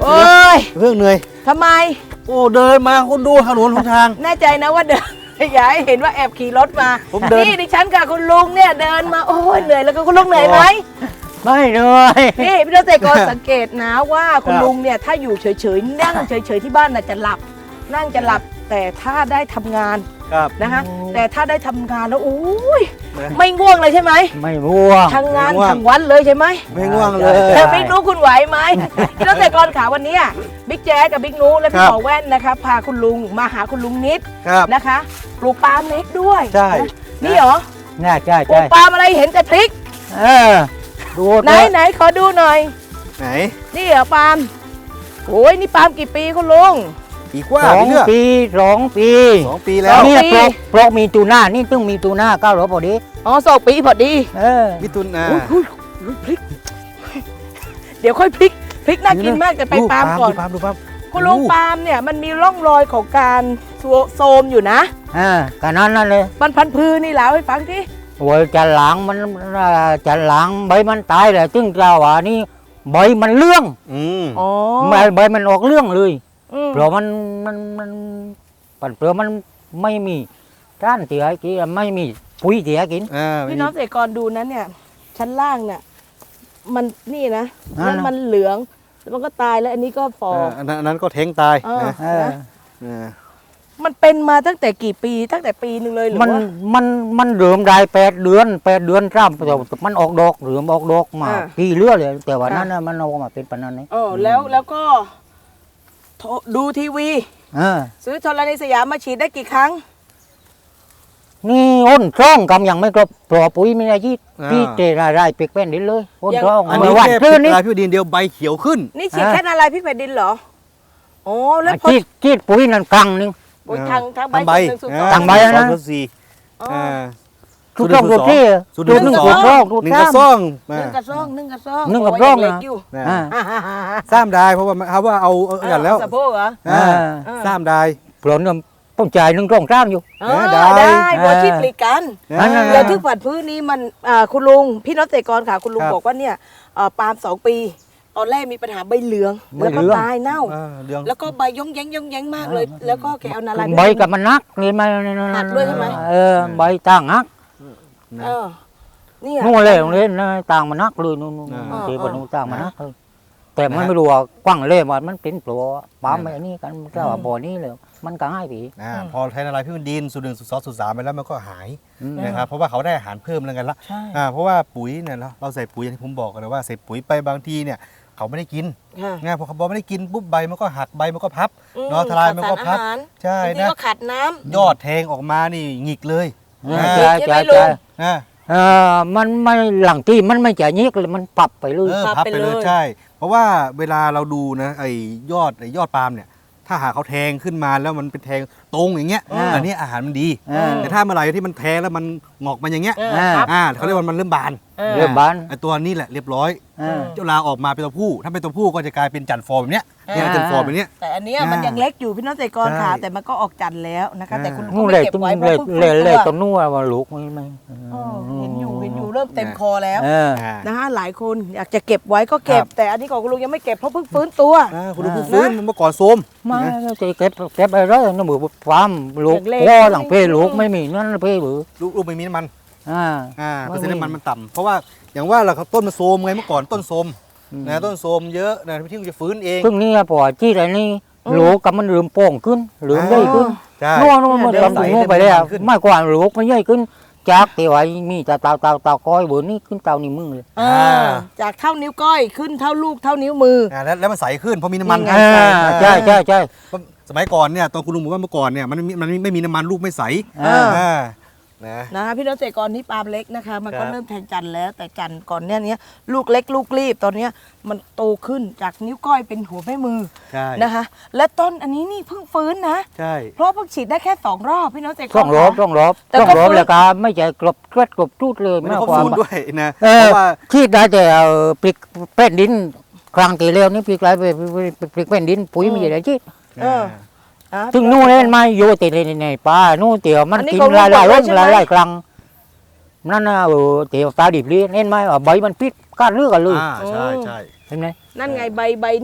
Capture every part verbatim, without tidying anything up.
โอ้ยเรื่องเหนื่อยทำไมโอ้เดินมาคุณดูถนนหนทางแน่ใจนะว่าเดิน อย่าให้เห็นว่าแอบขี่รถมาผมเดินนี่ดิฉันกับคุณลุงเนี่ยเดินมาโอ้ยเหนื่อยแล้วก็คุณลุงเหนื่อยไหมไม่เหนื่อยนี่พี่น้องเกษตรกรสังเกตนะว่าคุณลุงเนี่ยถ้าอยู่เฉยๆนั่งเฉยๆที่บ้านน่ะจะหลับ นั่งจะหลับแต่ถ้าได้ทำงานครับนะคะแต่ถ้าได้ทำงานแล้วโอ้ยไม่ง่วงเลยใช่ไหมไม่ง่วงทำงานทั้งวันเลยใช่ไหมไม่ง่วงเลยแต่บิ๊กนุคุณไหวไหมพี่น้องเกษตรกรขาวันนี้บิ๊กแจ๊กับบิ๊กนุและพี่หมอแว่นนะคะพาคุณลุงมาหาคุณลุงนิดครับนะคะปลูกปาล์มเล็กด้วยใช่นี่เหรอน่าใช่ปลูใช่กปาล์มอะไรเห็นแต่พริกเออดูไหนไหนขอดูหน่อยไหนนี่เหรอปาล์มโอ้ยนี่ปาล์มกี่ปีคุณลุงปีกว่าสองพี่เลือกปีสองปีสองปีแล้วสองนี่ปีปลอกปลอกมีตูหน้านี่ต้องมีตูหน้าเก้าร้อยพอดีอ๋อสองปีพอดีเออมิถุนาอุ๊ยอุ๊ยอุ๊ยพริก เดี๋ยวค่อยพริกพริกน่ากินมากแต่ไปปาล์มก่อนดูปาล์มดูปาล์มคุณลุงปาล์มเนี่ยมันมีร่องรอยของการโซมอยู่นะเออกันนั้นนั่นเลยมันพันพือนี่แล้วให้ฟังที่โอ้ยจะหลังมันจะหลังใบมันตายเลยซึ่งเราว่านี่ใบมันเรื่องอืมอ๋อใบใบมันออกเรื่องเลยอืมเพราะมันมันมันปันเปลือกมันไม่มีด้านเสียกินไม่มีปุ๋ยเสียกินอ่าพี่น้องเกษตรกรดูนั้นเนี่ยชั้นล่างเนี่ยมันนี่นะนั่นแล้วน่ะมันเหลืองแล้วมันก็ตายแล้วอันนี้ก็ฟออ่าอันนั้นอันนั้นก็เท้งตายเออนะเออนะอ่ามันเป็นมาตั้งแต่กี่ปีตั้งแต่ปีหนึ่งเลยหรือมันว่ามันมันเริ่มได้แปดเดือนแปดเดือนร่ำแต่มันออกดอกเริ่มออกดอกมาอ่าปีเรื่อยเลย แต่ว่าอ่านั้นน่ะมันออกมาเป็นปานนั้นนี่เออแล้วแล้วก็โทรดูทีวีเออซื้อธรณีสยามมาฉีดได้กี่ครั้งนี่อ้นช่องกำยังไม่ครบปลอปุ๋ยไม่ได้ยี่พี่เจรายรายเปียกแป้นดินเลยอ้นช่องอันเมื่นี้อวันแค่ซื้อนี่ลายพี่ดินเดียวใบเขียวขึ้นนี่ฉีดอ่าแค่อะไรพี่แผ่นดินเหรอโอ้แล้วพอจีดจีดปุ๋ยนั่นครั้งหนึงโอ้ยทางทางใบทางใบส่วนหนึ่งส่วนสอ่องทางใบ นะสองส่วนสี่อ๋ออ่าทุกช่องทุกที่สูตรตัวหหนึ่นึ่งงสูตัวตรช่องทุกหนึ่งช่กอระงซ่องหนึ่งกระซ่องหนึ่งกระซ่องหนึ่งกระโยซ่องยัเล็กนะอยู่นะอ่าอ่าฮ่าฮ่าฮ่าซ้ำได้เพราะว่าเขาว่าเอาเอาอย่างแล้วสะโพกเหรออ่าอ่าซ้ำได้ปลอเนี่ยต้องจ่ายหนึ่งกล่องจ้ามอยู่เออได้ได้อ่าบัวชิดปลีกันอันนั้นเดี๋ยวที่ผัดพื้นนี้มันอ่าคุณลุงพี่น้องเกษตรกรค่ะคุณลุงครับบอกว่าเนี่ยเอ่อปาล์มสองปี ตอนแรกมีปัญหาใบเหลืองใบแล้วก็เหลืองตายเน่าอ่าเรื่องแล้วก็ใบย่องแย้งย่องแย้งมากเลย แล้วก็แกเอานาลายใบกับมันนักนี่ไหมหักด้วยใช่ไหมเออใบต่างนักเออเนี่ยนู่นเลยโรงเรียนนะต่างมันนักเลยนู่นนู่นอ่าเทปนู่นต่างมันนักเลยแต่มันไม่รู้ว่ากว้างเลยว่ามันเป็นปลวปั๊มไอ้นี่กันแค่ว่าบ่อนี้เลยมันก็ง่ายปีอ่าพอใช้ละลายพี่ดินสูตรหนึ่งสูตรสองสูตรสามไปแล้วมันก็หายอืมนะครับเพราะว่าเขาได้อาหารเพิ่มแล้วกันละใช่อ่าเพราะว่าปุ๋ยเนี่ยเราเราใส่ปุ๋ยอย่างที่ผมบอกกันเลยว่าใส่ปุ๋ยไปบางทีเนี่ยเขาไม่ได้กินค่ะง่ายพอเขาบอกไม่ได้กินปุ๊บใบมันก็หักใบมันก็พับอืมเนาะทลายมันก็พับขาดสารอาหารใช่บางทีนะก็ขาดน้ำยอดแทงออกมานี่หงิกเลยเอออ่าใช่ใช่ไหมใช่ลุใช่งอ่าเออมันไม่หลังที่มันไม่จะยิกเลยมันปรับไปเลยเออพับพับไปไปเลยเลยใช่ เพราะว่าเวลาเราดูนะไอ้ยอดไอ้ยอดปาล์มเนี่ยถ้าหากเขาแทงขึ้นมาแล้วมันเป็นแทงตรงอย่างเงี้ยอ่าอันนี้อาหารมันดีเออแต่ถ้าเมื่อไหร่ที่มันแทงแล้วมันงอกมาอย่างเงี้ยเออครับอ่าเขาเรียกว่ามันเริ่มบานเออเริ่มบานไอ้ตัวนี้แหละเรียบร้อยเออเจ้าลาออกมาเป็นตัวผู้ ถ้าเป็นตัวผู้ก็จะกลายเป็นจันทร์ฟอร์มแบบเนี้ยเนี่ยอ่าจันทร์ฟอร์มแบบเนี้ยแต่อันเนี้ยอ่ามัมันยังเล็กอยู่พี่น้องเกษตรกรค่ะใช่แต่มันก็ออกจันทร์แล้วนะคะอ่าแต่คุณก็นู่นไม่เลยเก็บตรงไว้เพเลยราะเพิ่งเลยฟื้นเลยตัวตรงนู้นว่าลูกไม่ไม่เออเห็นอยู่เห็นอยู่เริ่มเต็มคอแล้วเอออ่านะคะหลายคนอยากจะเก็บไว้ก็เก็บครับแต่อันนี้ของคุณลุงยังไม่เก็บเพราะเพิ่งฟื้นตัวอ่าคุณดูผู้ฟื้นมันเมื่อก่อนโทรมมาจะเก็บเก็บไปเลยน้ำมือความลูกเล็กๆพ่อหลังเพลลูกไม่มีนั่นเพลบือลูกลูกไม่มีน้ำมันอ่าอ่าไม่เปอร์เซ็นต์มีน้ำมันมันต่ำเพราะว่าอย่างว่าเราต้นมันโทรมไงเมื่อก่อนต้นโทรมอืมนะต้นโทรมเยอะนะที่มันจะฟื้นเองซึ่งนี่พอที่ไรนี่ลูกกับมันเริ่มโป่งขึ้นเริ่มใหญ่ขึ้นใช่นู่นนู่นมันเริ่มทำถึงใสนู่นไปแล้วเริ่มมันขึ้นไม่กว่าลูกมันใหญ่ขึ้นจากที่ว่ามีแต่เตาเตาเตาก้อยเบอร์นี่ขึ้นเตานี่มึงเลยเออจากเท่านิ้วก้อยขึ้นเท่าลูกเท่านิ้วมืออ่าแล้วแล้วมันใสขึ้นเพราะมีน้ำมันนี่ไงอ่าใช่ใช่ใช่สมัยก่อนเนี่ยตอนคุณลุงบอกว่าเมื่อก่อนเนี่ยมันไม่มันไม่มีน้ำมันลูกไม่ใสอ่าอ่านะนะคะพี่น้องเกษตรกรที่ปาล์มเล็กนะคะ มันก็ครับเริ่มแทงจันทร์แล้วแต่จันทร์ก่อนเนี้ยเนี้ยลูกเล็กลูกรีบตอนเนี้ยมันโตขึ้นจากนิ้วก้อยเป็นหัวแม่มือใช่นะคะ และต้นอันนี้นี่เพิ่งฟื้นนะใช่เพราะเพิ่งฉีดได้แค่สองรอบพี่น้องเกษตรกรต้องรบค่ะต้องรบแต่ต้องก็รบฟื้นแล้วก็ไม่ใช่กลบเกล็ดกลบทูดเลยไม่ได้มากครบกว่าสูตรด้วยนะเอเพอราะว่าที่ได้แต่เอาปลิกแป้นดินครั้งที่แล้วนี่ปลิกไรไปปลิกแป้นดินปุ๋ยไม่ใช่ได้ที่เออ อ่ะถึงนู่นเล่นไม่โยติในในป่านู่นเตี๋ยวมันอันนี้กินของหลายหลายลุรงสใช่ไหมหลายหลายครั้งนั่นนะเออเตี๋ยวตาดิบเลี้ยนเล่นไหมว่าใบมันพิษก้านเลือกกันเลยอ่าใช่ใช่เห็นไหมนั่นไงใบใบเนี่ย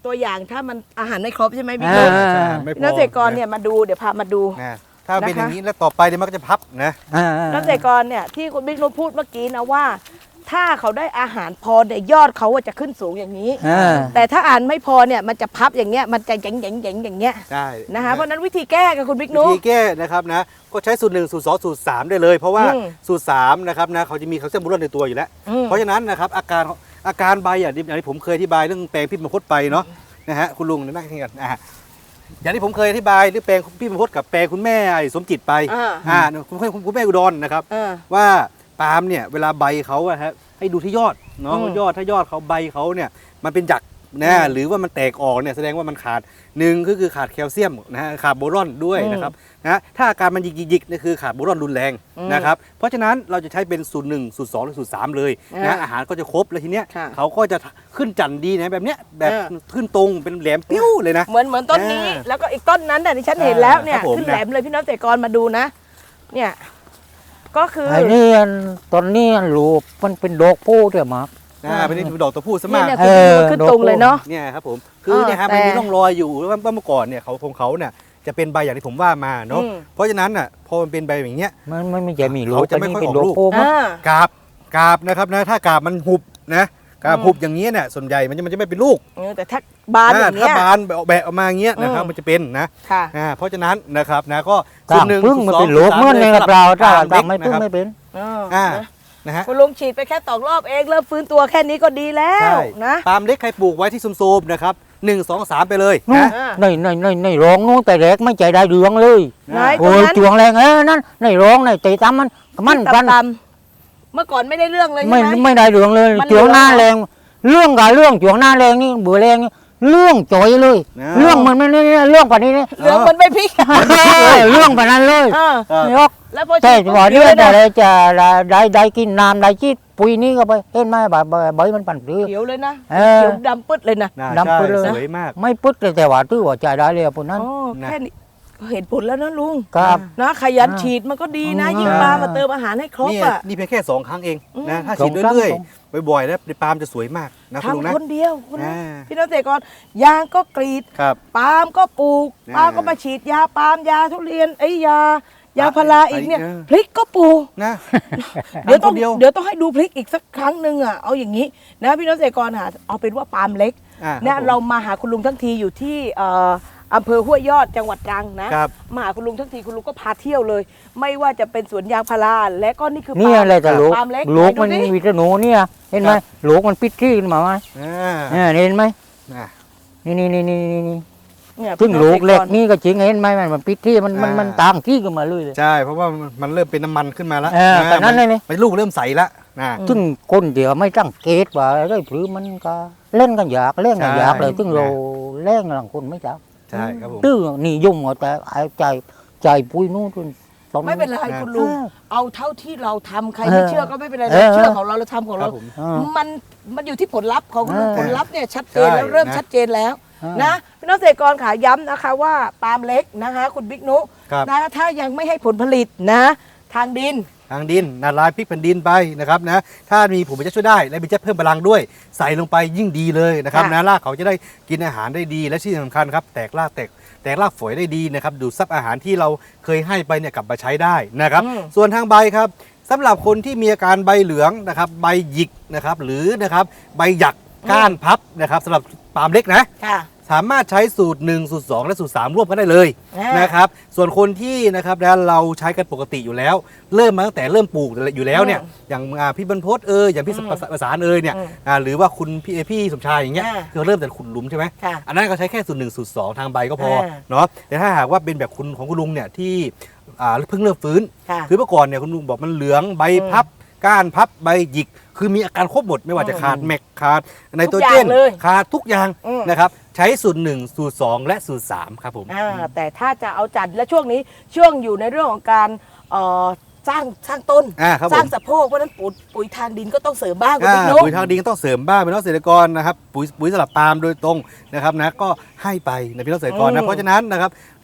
ตัวอย่างถ้ามันอาหารไม่ครบใช่ไหมพี่อ่านุ๊กใช่ไม่พพี่อน้องเกษตรกรเนี่ยมาดูเดี๋ยวพามาดูนะถ้าเป็นนะคะอย่างนี้แล้วต่อไปเดี๋ยวมันก็จะพับนะอ่าเกษตรกรเนี่ยที่คุณบิ๊กนุ๊กพูดเมื่อกี้นะว่า ถ้าเขาได้อาหารพอเนี่ยยอดเขาอะจะขึ้นสูงอย่างนี้อ่าแต่ถ้าอ่านไม่พอเนี่ยมันจะพับอย่างเงี้ยมันจะแหย่งๆๆอย่างเงี้ยใช่นะคะเพราะฉะนั้นวิธีแก้กับคุณบิ๊กวินุ๊กธีแก้นะครับนะก็ใช้สูตรหนึ่งสูตรสองสูตรสามได้เลย เพราะว่าอืมสูตรสามนะครับนะเขาจะมีแคลเซียมบูรอนในตัวอยู่แล้วอืมเพราะฉะนั้นนะครับอาการอาการใบอย่างที่อย่างที่ผมเคยอธิบายเรื่องแปลงพิษมังคุดไปเนาะนะฮะคุณลุงนั่งที่กันนะฮะอย่างที่ผมเคยอธิบายเรื่องแปลงพิษมังคุดกับแปลงคุณแม่ไอ้สมจิตไปอ่าอ่าคุณแม่คุณแม่อุดรนะครับเออว่าปาล์มเนี่ยเวลาใบเขาอะฮะให้ดูที่ยอดเนาะอืมยอดถ้ายอดเขาใบเขาเนี่ยมันเป็นหยักนะอืมหรือว่ามันแตกออกเนี่ยแสดงว่ามันขาดหนึ่งก็คือขาดแคลเซียมนะฮะขาดโบรอนด้วยอืมนะครับนะถ้าอาการมันหยิกๆๆนี่คือขาดโบรอนรุนแรงอืมนะครับเพราะฉะนั้นเราจะใช้เป็นสูตรหนึ่งสูตรสองหรือสูตรสามเลยอ่านะอาหารก็จะครบแล้วทีเนี้ยค่ะเขาก็จะขึ้นจันทร์ดีนะแบบเนี้ยแบบอ่าขึ้นตรงเป็นแหลมปิ้วเลยนะเหมือนเหมือนต้นนี้อ่าแล้วก็อีกต้นนั้นแต่ที่ฉันเห็นแล้วเนี่ยครับผมขึ้นแหลมเลยพี่น้องเกษตรกรมาดูนะ เนี่ยก็คือไอ้นี่อันตอนนี้อันลูกมันเป็นดอกผู้ด้วยมั้งอ่าเป็นนี่ดอกตัวผู้ซะเนี่มาย กเนี่ยเอคุณอขึ้นตรงเลยเนาะเนี่ยครับผมคือเนี่ยฮะแต่มันมีร่องรอยอยู่ว่าเมื่อก่อนเนี่ยเขาของเขาเนี่ยจะเป็นใบอย่างที่ผมว่ามาเนาะอืมเพราะฉะนั้นอ่ะพอมันเป็นใบอย่างเงี้ยมันมันไม่จะมีลูกเขาจะไม่นนี้ค่อยเป็นออกดอกลูกผู้มั้งอ่ากาบกาบนะครับนะถ้ากาบมันหุบนะกาบอืมหุบอย่างเงี้ยเนี่ยส่วนใหญ่มันจะมันจะไม่เป็นลูกเออแต่ถ้าบานอย่างถ้าเงี้ยบานแบะแบะออกมาอย่างเงี้ยนะครับอืมมันจะเป็นนะค่ะอ่าเพราะฉะนั้นนะครับนะก็ตามพึ่งมันเป็นลูกเหมื่อนในกระเปล่าถ้าตามไม่พึ่งไม่เป็นเอออ่านะนะฮะคุณลุงฉีดไปแค่สองรอบเองเริ่มฟื้นตัวแค่นี้ก็ดีแล้วใช่นะปาล์มเล็กใครปลูกไว้ที่ซุมๆนะครับหนึ่งสองสามไปเลยนู่นนะอ่าในในในในร้องนู้นแต่แรกไม่ใจได้เรืองเลยไหนโอ้ตรงยนั้นจวงแรงเอ้นั่นในร้องในตีตามมันมันตกันำๆเมื่อก่อนไม่ได้เรื่องเลยใช่ไม่ไหมไม่ได้เรืองเลยมันจวงหน้าเหลืแรองงเรื่องกับเรื่องจวงหน้าแรงนี่เบื่อแรงนี่เรื่องจ่อยเลยนะเรื่องมันไม่นี่เรื่องกว่านี้นี่เหลืองมันไม่พริกเรื่องกว่านั้นเลยเออเออยกแล้วพอแต่ฉีดปุ๊บว่าเขีเรื่ยวองเลยแต่นะละจะได้ได้กินน้ำได้ชีดปุ๋ยนี้ก็ไปเห็นไหมใบใบใบมันปั่นปลื้เขียวเลยนะเออเขียวดำปึ๊ดเลยนะน่าดำใช่ไปเลยสวยมากไม่ปึ๊ดเลยแต่ว่าตื้อว่าใจได้เลยพวกนั้นอ๋อนะแค่นี้ก็เห็นผลแล้วนะลุงครับนะขยันอ่าฉีดมันก็ดีนะอืมยิ่งปลามาเติมอาหารให้ครบนี่อ่ะนี่เพียงแค่สองครั้งเองนะอืมถ้าฉีดสองครั้งเรื่อยสองๆบ่อยๆนะปาล์มจะสวยมากนะคุณลุงนะทำคนเดียวคุณอ่าพี่น้องเกษตรกรยางก็กรีดครับปาล์มก็ปลูกอ่าปาล์มก็มาฉีดยาปาล์มยาทุเรียนไอ้ยายาพาราอีกเนี่ยเออพริกก็ปลูกนะเดี๋ยวต้องทำคนเดียวเดี๋ยวต้องให้ดูพริกอีกสักครั้งหนึ่งอ่ะเอาอย่างนี้นะพี่น้องเกษตรกรหาเอาเป็นว่าปาล์มเล็กอ่าเนี่ยคบผมเรามาหาคุณลุงทั้งทีอยู่ที่เอ่ออำเภอห้วยยอดจังหวัดตรังนะครับ มาหาคุณลุงทั้งทีคุณลุงก็พาเที่ยวเลย ไม่ว่าจะเป็นสวนยางพาราและก็นี่คือนี่ปาล์มอะไรแต่ลูกปาล์มเล็กลูกมันไหดูสิวิตามินเนี่ยเห็นไหมครับลูกมันปิดที่ขึ้นมาไหมอ่าเนี่ยเห็นไหมอ่านี่นี่นี่นี่นี่นี่เนี่ยซึ่งพี่น้อลูกษตรเล็กนี่ก็จริงเห็นไหมมันมันปิดที่มันมันอ่ามัมันต่างที่กันมาเลยเลยใช่เพราะว่ามันเริ่มเป็นน้ำมันขึ้นมาแล้วเออแบบนั้นเลยนี่มันลูกเริ่มใสแล้วนะซึ่งคนเดียวไม่ตั้งเกตว่าได้หรือมันก็เล่นกันอยากเล่นกันอยากเลยใช่ซึ่งเราเล่นกันหลังคนไม่จับใช่ครับผมตื้อนี่ยุ่งเอาแต่ไอ้ใจใจปุ้ยนู่นตรงไม่เป็นไรนะคุณลุงเออเอาเท่าที่เราทำใครเออไม่เชื่อก็ไม่เป็นไรเอเราอเชื่อของเราเราทำของครัเราบผมเออมันมันอยู่ที่ผลลัพธ์ของคุณลุงเออผลลัพธ์เนี่ยชัดเจนใช่แล้วเริ่มนะชัดเจนแล้วเออนะพี่น้องเกษตรกรขาย้ำนะคะว่าปาล์มเล็กนะคะ คุณบิ๊กนุครับนะถ้ายังไม่ให้ผลผลิตนะ ทางดินทางดินนาลายพริกแผ่นดินไปนะครับนะถ้ามีผมจะช่วยได้และมีจะเพิ่มพลังด้วย ใส่ลงไปยิ่งดีเลยนะครับค่ะนะรากเขาจะได้กินอาหารได้ดีและที่สำคัญครับแตกรากแตกแตกรากฝอยได้ดีนะครับดูดซับอาหารที่เราเคยให้ไปเนี่ยกลับมาใช้ได้นะครับอืมส่วนทางใบครับสำหรับคนที่มีอาการใบเหลืองนะครับใบหยิกนะครับหรือนะครับใบหยักก้านพับนะครับสำหรับปาล์มเล็กนะค่ะสามารถใช้สูตรหนึ่งสูตรสองและสูตรสามร่วมกันได้เลยอ่านนะครับส่วนคนที่นะครับนะเราใช้กันปกติอยู่แล้ว เริ่มมาตั้งแต่เริ่มปลูกอยู่แล้วเนี่ยอย่างอ่าพี่บรรพตเอออย่างพี่อืมประสานเอยเนี่ยอืมอ่าหรือว่าคุณพี่พี่สมชายอย่างเงี้ยอ่าคือเริ่มแต่ขุดหลุมใช่ไหมค่ะอันนั้นก็ใช้แค่สูตรหนึ่งสูตรสองทางใบก็พออ่าเนาะแต่ถ้าหากว่าเป็นแบบคุณของคุณลุงเนี่ยที่อ่าเพิ่งเริ่มฟื้นค่ะคือเมื่อก่อนเนี่ยคุณลุงบอกมันเหลืองใบอืมพับก้านพับใบหยิก คือมีอาการครบหมดไม่ว่าจะขาดแมกขาดไนโตรเจนทุกอย่างเลยขาดทุกอย่างอืมนะครับใช้สูตรหนึ่งสูตรสองและสูตรสามครับผมอ่าแต่ถ้าจะเอาจัดและช่วงนี้ช่วงอยู่ในเรื่องของการเอ่อสร้างสร้างต้นอ่าครับผมสร้างสะโพกเพราะฉะนั้นปุ๋ยปุ๋ยทางดินก็ต้องเสริมบ้างคุณอ่าบิ๊กนุปุ๋ยทางดินก็ต้องเสริมบ้างเป็นน้องเกษตรกรนะครับปุ๋ยปุ๋ยสลับปาล์มโดยตรงนะครับนะก็ให้ไปนะพี่น้องเกษตรกรอืนะมเพราะฉะนั้นนะครับ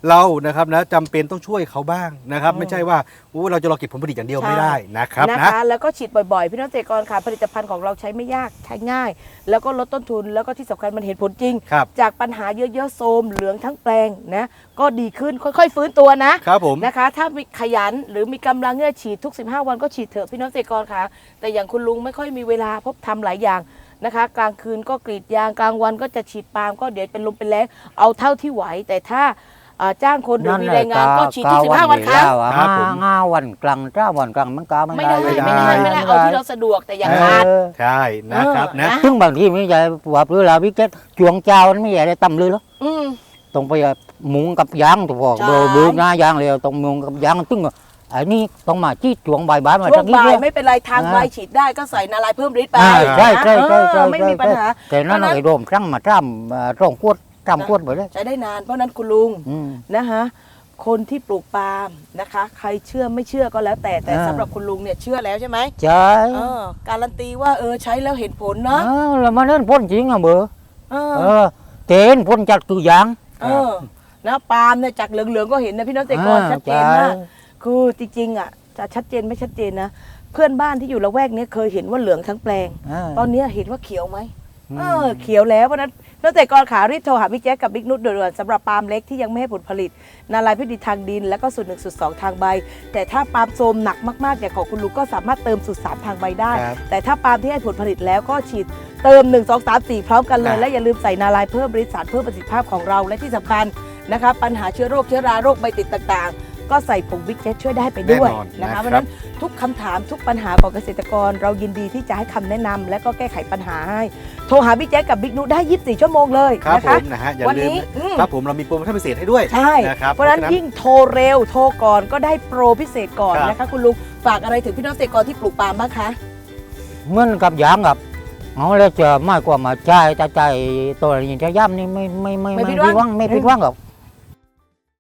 เรานะครับนะจำเป็นต้องช่วยเขาบ้างนะครับอืมไม่ใช่ว่าโอ้เราจะรอเก็บผลผลิตอย่างเดียวไม่ได้นะครับนะนะคะแล้วก็ฉีดบ่อยๆ พี่น้องเกษตรกรค่ะผลิตภัณฑ์ของเราใช้ไม่ยากใช้ง่าย แล้วก็ลดต้นทุนแล้วก็ที่สำคัญมันเห็นผลจริงครับจากปัญหาเยอะๆโทรมเหลืองทั้งแปลงนะก็ดีขึ้นค่อยๆ ฟื้นตัวนะครับผมนะคะ ถ้ามีขยันหรือมีกำลังเงื่อฉีดทุกสิบห้าวันก็ฉีดเถอะพี่น้องเกษตรกรค่ะแต่อย่างคุณลุงไม่ค่อยมีเวลาเพราะทำหลายอย่างนะคะ กลางคืนก็กรีดยางกลางวันก็จะฉีดปาล์มก็เดี๋ยวเป็นลมเป็นแรงเอาเท่าที่ไหวแต่ถ้าอ่าจ้างคนหรือมีแรงงานก็ฉีดทุกสิบห้าวันครั้งครับผมงาวันกลางเจ้าวันกลางมันกาไม่ไม่ได้ได้ไม่ไม่ได้ได้ไม่ได้เอาที่เราสะดวกแต่อย่างขาดเออใช่นะครับเออนะนะซึ่งบางทีไม่ใช่ว่าหรือเราพี่เกตจวงเจ้ามันไม่ใหญ่ได้ต่ำเลยหรออืมต้องไปหมุงกับยางถูกบอกใช่โดยดูหน้ายางเลยต้องมุงกับยางซึ่งไอ้นี่ต้องมาจี้จวงใบใบมาช่วทั้งงนี้บ่ายด้วยไม่เป็นไรทางอ่าใบฉีดได้ก็ใส่นาลายเพิ่มฤทธิ์ไปอ่าใช่ใช่ใช่เอใช่อไม่มีปัญหาแต่นั่นเพราะฉะนั้นไอ้โดมครั้งมาจ้ำร่องขวดจ้ำขวดไปเลยใช้ได้นานเพราะฉะนั้นคุณลุงอืมนะคะคนที่ปลูกปาล์มนะคะ ใครเชื่อไม่เชื่อก็แล้วแต่แต่อ่าสำหรับคุณลุงเนี่ยเชื่อแล้วใช่ไหมใช่เออการันตีว่าเออใช้แล้วเห็นผลเนาะเออแล้วมันเล่นพ่นจริงอ่ะเบอร์เอเอออเตนพ่นจากตัวยางเออนะปาล์มเนี่ยจากเหลืองๆก็เห็นนะพี่น้องเกษตรกรอ่าชัดเจนมากใช่คือจริงๆอ่ะจะชัดเจนไม่ชัดเจนนะเพื่อนบ้านที่อยู่ละแวกเนี้เคยเห็นว่าเหลืองทั้งแปลงาตอนนี้เห็นว่าเขียวไหมอืมเออเขียวแล้วเพราะฉะนั้นนักเตะกรขารีบโทรหาพี่แจ๊คกับบิ๊กนุชด่วนๆสำหรับปาล์มเล็กที่ยังไม่ให้ผลผลิต นาลายพิษดีทางดิน แล้วก็สูตรหนึ่งสูตรสองทางใบ แต่ถ้าปาล์มโทรมหนักมากๆอย่างของคุณลุงก็สามารถเติมสูตรสามทางใบได้ครับแต่ถ้าปาล์มที่ให้ผลผลิตแล้วก็ฉีดเติมหนึ่ง สอง สาม สี่พร้อมกันเลยอ่าและอย่าลืมใส่นาลายเพิ่มฤทธิ์สารเพิ่มประสิทธิภาพของเราและที่สำคัญนะคะปัญหาเชื้อโรคเชื้อราโรคใบติดต่างๆ ก็ใส่ผงบิ๊กเจ็ตช่วยได้ไปด้วยแน่นอนนะนะครัคะบเพราะฉะนั้นทุกคำถามทุกปัญหาของเกษตรกร เรายินดีที่จะให้คำแนะนำและก็แก้ไขปัญหาให้โทรหาบิ๊กแจ็คกับบิ๊กนุได้ยี่สิบสี่ชั่วโมงเลยครับนะผคะมนะฮะอย่าวันลืมนี้อืมครับผมเรามีโปรโมชั่นพิเศษให้ด้วยใช่นะครับเพราะฉะนั้นยิ่งโทรเร็วโทรก่อนก็ได้โปรพิเศษก่อนครับนะคะคุณลุงฝากอะไรถึงพี่น้องเกษตรกรที่ปลูกปาล์มบ้างคะเหมือนกับยางกับเอาแล้วจะไม่กว่ามาใจแต่ใจตัวนี้จะย่ำนี่ไม่ไม่ไม่ไม่ไม่ผิผิดดหวังหวังไม่ผิดหวังหรอก